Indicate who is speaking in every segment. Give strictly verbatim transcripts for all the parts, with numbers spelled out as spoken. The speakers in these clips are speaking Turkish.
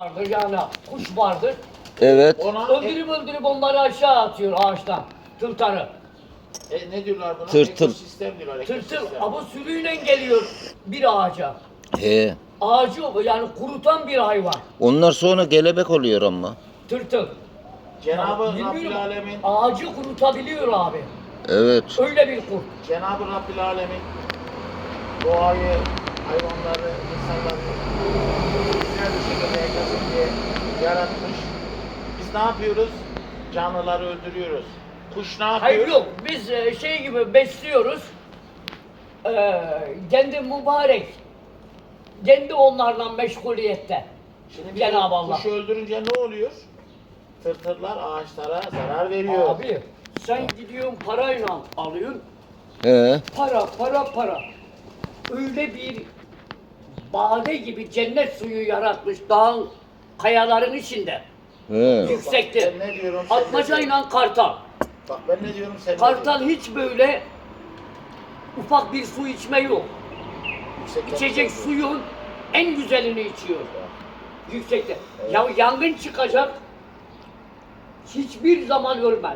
Speaker 1: vardır yani kuş vardır.
Speaker 2: Evet.
Speaker 3: Ona
Speaker 1: Öldürüp öldürüp onları aşağı atıyor ağaçtan. Tıltarı.
Speaker 3: e, ne diyorlar buna?
Speaker 2: Tırtıl.
Speaker 3: Ekosistem diyorlar.
Speaker 1: Tırtıl
Speaker 3: ekosistem.
Speaker 1: ama sürüyle geliyor bir ağaca.
Speaker 2: He.
Speaker 1: Ağacı yani kurutan bir hayvan.
Speaker 2: Onlar sonra gelebek oluyor ama.
Speaker 1: Tırtıl.
Speaker 3: Cenab-ı
Speaker 1: Ya,
Speaker 3: Rabbil
Speaker 1: bilmiyorum,
Speaker 3: Alemin
Speaker 1: ağacı kurutabiliyor abi.
Speaker 2: Evet.
Speaker 1: Öyle bir kurt.
Speaker 3: Cenab-ı Rabbil Alemin doğayı, hayvanları, insanları güzel bir şekilde yaşasın diye yaratmış. Biz ne yapıyoruz? Canlıları öldürüyoruz. Kuş ne yapıyor?
Speaker 1: Hayır yok biz e, şey gibi besliyoruz. Ee, kendi mübarek. Kendi onlardan meşguliyette.
Speaker 3: Şimdi biz
Speaker 1: Cenab-ı Allah.
Speaker 3: kuşu öldürünce ne oluyor? Tırtırlar ağaçlara zarar veriyor.
Speaker 1: Abi sen gidiyorsun parayla alıyorsun.
Speaker 2: He.
Speaker 1: Para para para. Öyle bir bade gibi cennet suyu yaratmış dağın kayaların içinde.
Speaker 2: He.
Speaker 1: Yüksekte.
Speaker 3: Ben ne diyorum? sen ne
Speaker 1: Atmacayla kartal.
Speaker 3: diyorsun? Bak ben ne diyorum sen ne
Speaker 1: Kartal
Speaker 3: diyorsun?
Speaker 1: hiç böyle ufak bir su içme yok.
Speaker 3: Yüksekten
Speaker 1: İçecek
Speaker 3: söylüyorum.
Speaker 1: suyun en güzelini içiyor. Yüksekte.
Speaker 3: Evet.
Speaker 1: Ya yangın çıkacak. Hiçbir zaman ölmez.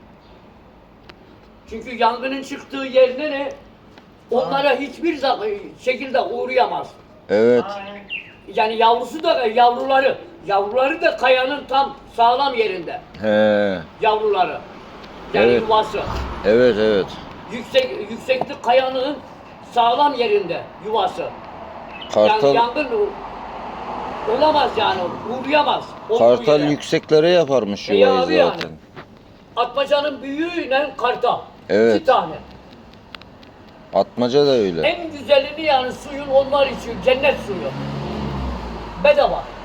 Speaker 1: Çünkü yangının çıktığı yerine ne? Onlara hiçbir zaman şekilde uğrayamaz.
Speaker 2: Evet.
Speaker 3: Aynen.
Speaker 1: Yani yavrusu da yavruları, yavruları da kayanın tam sağlam yerinde.
Speaker 2: He.
Speaker 1: Yavruları. Yani
Speaker 2: Evet.
Speaker 1: yuvası.
Speaker 2: Evet evet.
Speaker 1: Yüksek yükseklik kayanın sağlam yerinde yuvası.
Speaker 2: Kartal
Speaker 1: Yani yangın olamaz yani, uğrayamaz. olduğu
Speaker 2: Kartal
Speaker 1: yere.
Speaker 2: yükseklere yaparmış
Speaker 1: E
Speaker 2: yuvayı
Speaker 1: abi yani.
Speaker 2: zaten.
Speaker 1: Atmacanın büyüğüyle kartal.
Speaker 2: Evet.
Speaker 1: İki tane.
Speaker 2: Atmaca da öyle.
Speaker 1: En güzelini yani suyun onlar içiyor, cennet suyu. Bedava.